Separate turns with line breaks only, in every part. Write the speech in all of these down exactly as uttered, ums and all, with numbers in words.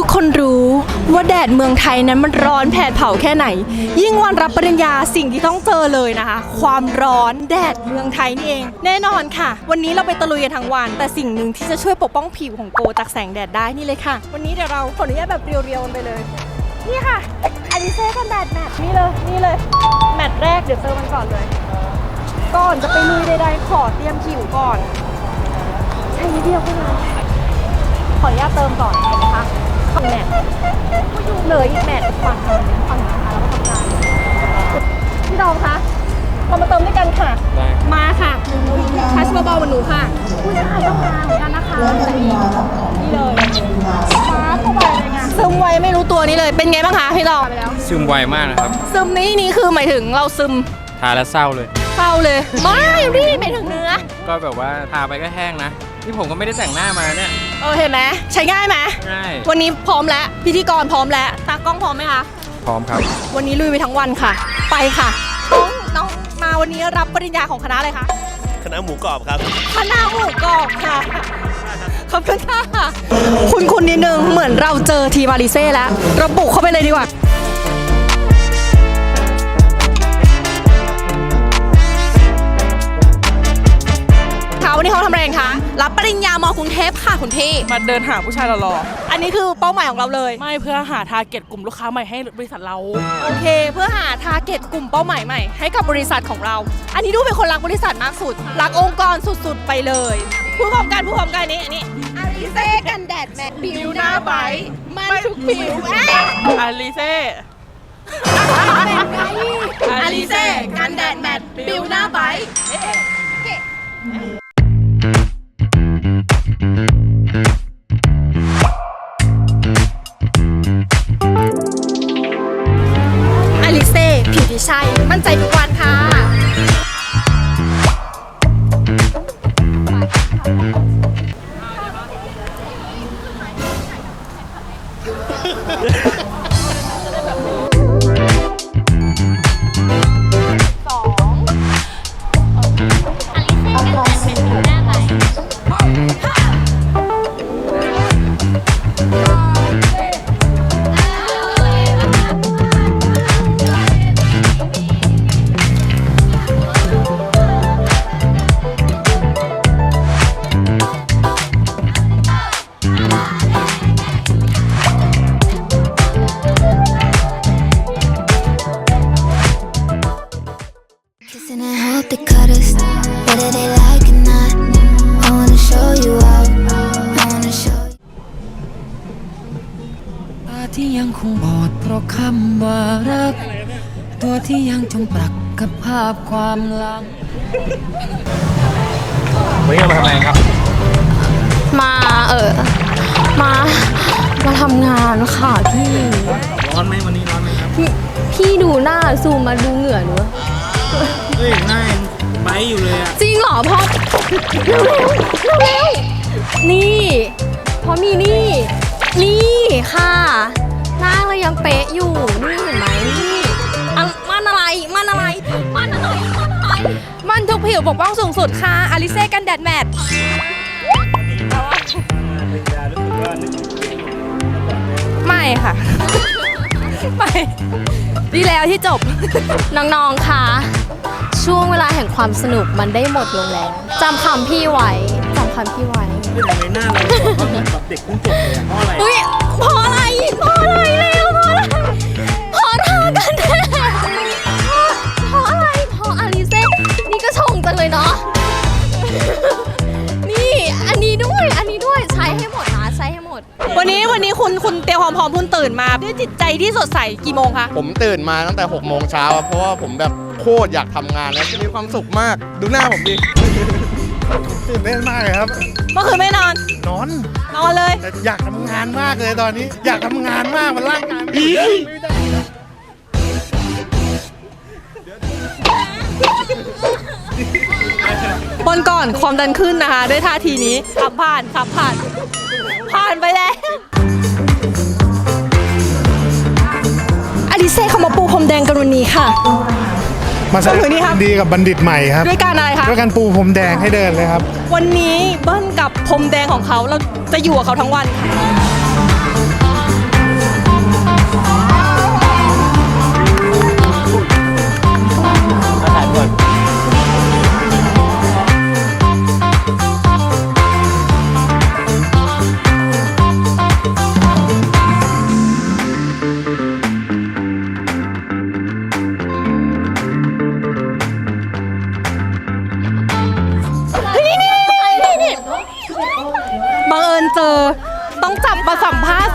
กคนรู้ว่าแดดเมืองไทยนั้นมันร้อนแผดเผาแค่ไหนยิ่งวันรับปริญญาสิ่งที่ต้องเจอเลยนะคะความร้อนแดดเมืองไทยนี่เองแน่นอนค่ะวันนี้เราไปตะลุยกันทั้งวันแต่สิ่งหนึ่งที่จะช่วยปกป้องผิวของโกจากแสงแดดได้นี่เลยค่ะวันนี้เดี๋ยวเราขออนุญาตแบบเรียวๆกันไปเลยนี่ค่ะอลิเซ่กันแดดแมทนี่เลยนี่เลยแมทแรกเดี๋ยวเติมมันก่อนเลยก่อนจะไปลุยใดๆขอเตรียมผิวก่อนใช้นิดเดียวเท่านั้นขออนุญาตเติมก่อนเห็นไหมคะฝั่งแมทเหลืออีกแมทฝั่งนึงฝั่งนี้นะคะแล้วก็ทำงานพี่ดอมคะเรามาเติมด้วยกันค่ะมาค่ะทัชเบาๆเหมือนหนูค่ะผู้ชายต้องมาเหมือนกันนะคะนี่เลยฟ้าเข้าไปเลยไงซึมไวไม่รู้ตัวนี้เลยเป็นไงบ้างคะพี่ดอม
ซึมไวมากนะครับ
ซึมนี้นี่คือหมายถึงเราซึม
ทาแล้วเศร้าเลย
เศร้าเลยไม่รีบไปถึงเนื้อ
ก็แบบว่าทาไปก็แห้งนะนี่ผมก็ไม่ได้แต่งหน้ามาเนี่ย
เออเห็นไหมใช้ง่ายไหม
ง่าย
วันนี้พร้อมแล้วพิธีกรพร้อมแล้วตากล้องพร้อมไหมคะ
พร้อมครับ
วันนี้ลุยไปทั้งวันค่ะไปค่ะน้องน้องมาวันนี้รับปริญญาของคณะอะไรคะ
คณะหมูกรอบครับ
คณะหมูกรอบค่ะขอบคุณค่ะคุณคุณนิดนึงเหมือนเราเจอทีมอาริเซ่แล้วเราบุกเข้าไปเลยดีกว่าวันนี้เขาทำอะไรกันคะรับปริญญามอกรุงเทพค่ะคุณพี่
มาเดินหาผู้ชายหล่อ
ๆอันนี้คือเป้าหมายของเราเลย
ไม่เพื่อหาทาร์เก็ตกลุ่มลูกค้าใหม่ให้บริษัทเรา
โอเคเพื่อหาทาร์เก็ตกลุ่มเป้าหมายใหม่ให้กับบริษัทของเราอันนี้ดูเป็นคนรักบริษัทมากสุดรักองค์กรสุดๆไปเลยผู้พร้อมกันผู้พร้อมกันนี้อันนี้อาริเซ่กันแดดแมทผิวหน้าใบมันทุกผิว
อาริเซ่
อาริเซ่กันแดดแมทผิวหน้าใบอาริเซ่ผิวที่ใช่มั่นใจทุกวันค่ะ
ที่ยังคงบอดเพราะคำว่ารักตัวที่ยังจมปลักกับภาพความหลัง
วันนี้มาทำอะไรครับ
มาเออมามาทำงานค่ะพี่
ร้อนไหมวันนี้ร้อนไหมครับ
พี่ดูหน้าซูมมาดูเหงื่อหนู
เฮ้ยหน้าไบอยู่เลยอะ
จริงเหรอพ่อเร็วเร็วนี่พอมีนี่นี่ค่ะหน้าเรายังเป๊ะอยู่นี่เห็นไหมนี่มันอะไรมันอะไรมันอะไรมันอะไรมันทุกผิวปกป้องสูงสุดค่ะอาริเซ่กันแดดแมทไม่ค่ะไม่ดีแล้วที่จบน้องๆค่ะช่วงเวลาแห่งความสนุกมันได้หมดลงแล้วจำคำพี่ไว้จำคำพี่ไว้
ไม่ทำไมหน้าเราเหมือนแบบเด็กเพิ่งจบเลยเพราะอะไร
เพราะอะไรเพราะอะไรเร็วเพราะอะไรเพราะทากันแดดเพราะอะไรเพราะอาริเซ่นี่ก็ชงจังเลยเนาะนี่อันนี้ด้วยอันนี้ด้วยใช้ให้หมดนะใช้ให้หมดวันนี้วันนี้คุณคุณเตรียมความพร้อมคุณตื่นมาด้วยจิตใจที่สดใสกี่โมงคะ
ผมตื่นมาตั้งแต่หกโมงเช้าเพราะว่าผมแบบโคตรอยากทำงานแล้วมีความสุขมากดูหน้าผมดิตื่นเต้นมากเลยครับ
เมื่อคืนไม่นอน
นอน
นอนเลย
แต่อยากทำงานมากเลยตอนนี้อยากทำงานมากมันร่างกายไม่ได้
วันก่อนความดันขึ้นนะคะด้วยท่าทีนี้ขับผ่านขับผ่านผ่านไปแล้วอาริเซ่เขามาปูพรมแดงกันวันนี้ค่ะ
มาแสดงดีกับบัณฑิตใหม่ครับ
ด้วยการอะไรคะ
ด้วยการปูพรมแดงให้เดินเลยครับ
วันนี้เบิ้ลกับพรมแดงของเขาเราจะอยู่กับเขาทั้งวัน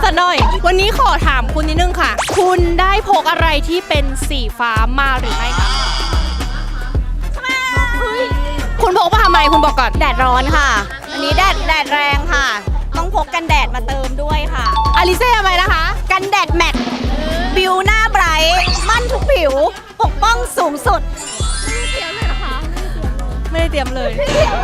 ซะหน่อย วันนี้ขอถามคุณนิดนึงค่ะ คุณได้พกอะไรที่เป็นสีฟ้ามาหรือไม่คะคุณพกมาทำไมคุณบอกก่อน
แดดร้อนค่ะ อันนี้แดดแดดแรงค่ะ ต้องพกกันแดดมาเติมด้วยค่ะ
อลิเซ่ทำไมนะคะ
กันแดดแมทบิวหน้าไบรท์มั่นทุกผิว ปกป้องสูงสุด
ไม่ได้เตรียมเลย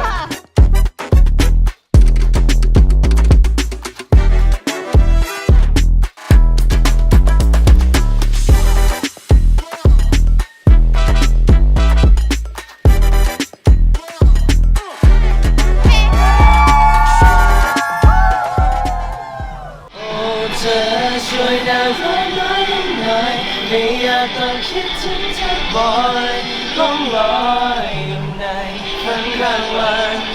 เธอช่วยดาวร้ายน้อยลงหน่อยไม่อยากต้องคิดถึงเธอบ่อยล่องลอยอยู่ในฝันกลางวัน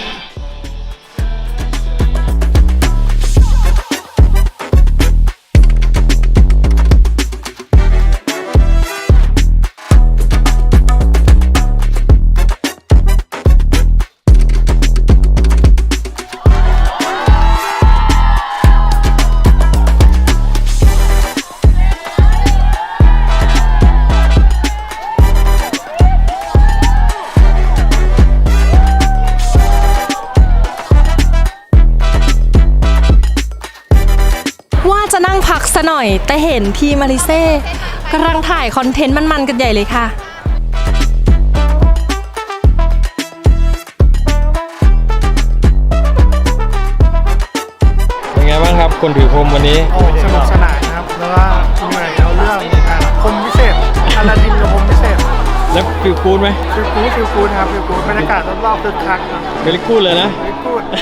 ว่าจะนั่งพักซะหน่อย แต่เห็นทีมอลิเซ่กำลังถ่ายคอนเทนต์มันๆกันใหญ่เลยค่ะ
เป็นไงบ้างครับคนถือพรมวันนี้
โอ้สนุกสนานครับ แล้วก็เหนื่อยเอาเรื่องอ่าพรมพิเศษอลาดินกับพรมพิเศษ
แล้วฟิลกูดไหม
ฟิลกูดฟิลกูดครับฟิลกูดบรรยากาศรอบๆคึกคักครับ
เวลิกูดเลยนะ
ฟิลกูด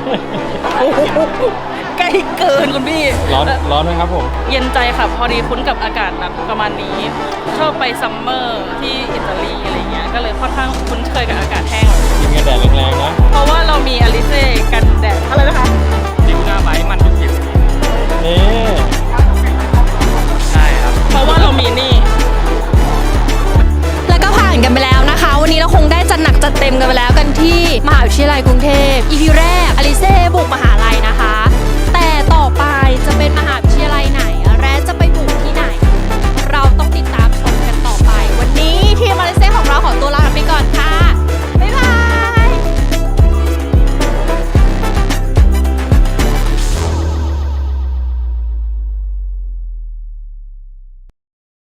ใกล้เกินคุณพี่
ร้อนร้อนไหมครับผม
เย็นใจค่ะ พอดีคุ้นกับอากาศแบบประมาณนี้ ชอบไปซัมเมอร์ที่อิตาลีอะไรเงี้ย ก็เลยค่อนข้างคุ้นเคยกับอากาศแห้ง
กินกันแดดแรงๆนะ
เพราะว่าเรามีอลิเซ่กันแดดอะไรนะคะ
ดิวหน้าไบมันทุกผิวนี่
ใช่ครับ เพราะว่าเรามีนี่
แล้วก็ผ่านกันไปแล้วนะคะ วันนี้เราคงได้จัดหนักจัดเต็มกันไปแล้วกันที่มหาวิทยาลัยกรุงเทพ อี พี แร